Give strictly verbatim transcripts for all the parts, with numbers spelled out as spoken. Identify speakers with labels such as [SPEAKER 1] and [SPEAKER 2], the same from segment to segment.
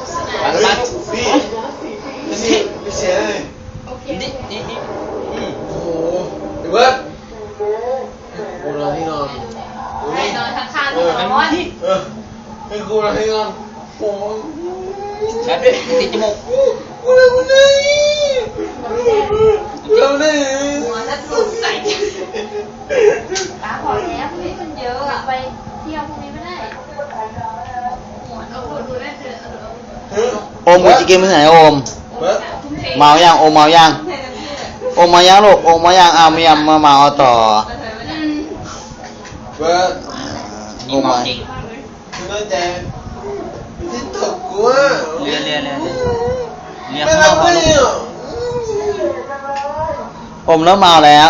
[SPEAKER 1] มามาพี่พี่พี่เสียเลยนี่นี่นี่โอ้โหเดี๋ยวเบิร์ดโอ้เราที่นอน
[SPEAKER 2] ให้นอนข้างๆนอน
[SPEAKER 1] เออให้กูเราที่นอนโอ้
[SPEAKER 3] แอบด้วยติดจมูก
[SPEAKER 1] กูเลยกูเลยเราเลย
[SPEAKER 2] หัวจะสุดใส่ป้าพอแล้วพรุ่งนี้มันเยอะอะไปเที่ยวพรุ่งนี้ไม่ได้หัวเอาหัวดูได้เถอะ
[SPEAKER 4] โอมกูจะกินไปไหนโอมเมายังโอมเมายังโอมเมายังลูกโอมเมายังเอาเมียมาเมาต่อ
[SPEAKER 1] เบิร์ด
[SPEAKER 4] โอมมา
[SPEAKER 3] จริง
[SPEAKER 1] คือตั้งใจที่ตกกูอ่ะ
[SPEAKER 3] เรียนเรียนเรียนเรียน
[SPEAKER 1] ไม่
[SPEAKER 3] ข้า
[SPEAKER 1] รั
[SPEAKER 3] ว
[SPEAKER 1] ก
[SPEAKER 3] เขา
[SPEAKER 1] ไม่
[SPEAKER 3] ลูก
[SPEAKER 1] อ่ะ
[SPEAKER 4] อมแล้วเมาแล้ว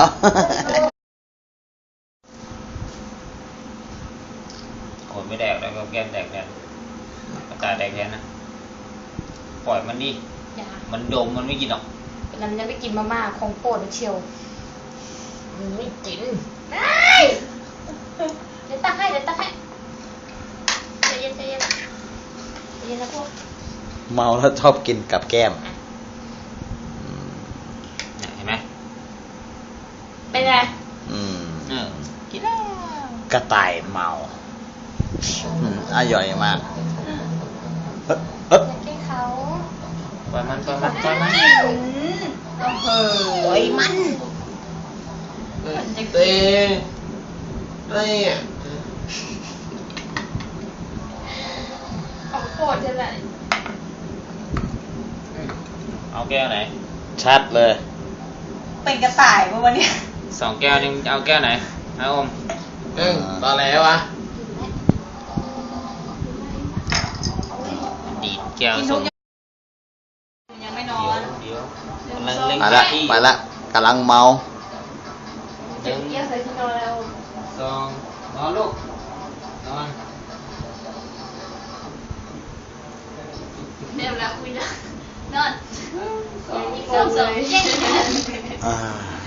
[SPEAKER 3] โอ้ยไม่แดกแล้วก็แก้มแดกแทนกระจายแดกแทนนะปล่อยมันดิมันดมมันไม่กินหรอก
[SPEAKER 2] แล้วมันจะไปกินมาม่าของโปรดเชียว
[SPEAKER 3] มันไม่กิน
[SPEAKER 2] ได้เดี๋ยวตักให้เดี๋ยวตักให้ใจเย็นใจเย็นใจเย็นนะพวก
[SPEAKER 4] เมาแล้วชอบกินกับแก้ม
[SPEAKER 3] เห็นไหม
[SPEAKER 2] เป็นไง
[SPEAKER 4] อืม
[SPEAKER 3] เออกินแล้ว
[SPEAKER 4] กระต่ายเมาอืมอร่อยมากเอ๊ะเอ๊ะ
[SPEAKER 2] แก้เขา
[SPEAKER 3] ปล่อยมันปล่อยมันปล่อยมัน
[SPEAKER 2] เออโอ้ยมัน
[SPEAKER 1] เต้อะไรอ่ะ
[SPEAKER 2] ของโปรดใช่ไหม
[SPEAKER 3] เอาแก้วไหน
[SPEAKER 4] ชัดเลย
[SPEAKER 2] เป็นกระต่ายปะวันนี้
[SPEAKER 3] สองแก้วนึงเอาแก้วไหนนะอม
[SPEAKER 1] หนึ่งตอนแล้ววะ
[SPEAKER 3] ดีดแก้วส่ง
[SPEAKER 2] ยังไม่นอ
[SPEAKER 3] เดี๋ยวน เดี๋ยว
[SPEAKER 4] ไปละไปละกำลังเมา
[SPEAKER 3] หนึ่ง
[SPEAKER 2] เยี่ยมเลยที่นอนแล้ว
[SPEAKER 3] สองนอนลูกนอน
[SPEAKER 2] เดี๋ยวแล้วคุยนะนอนสองสองเย้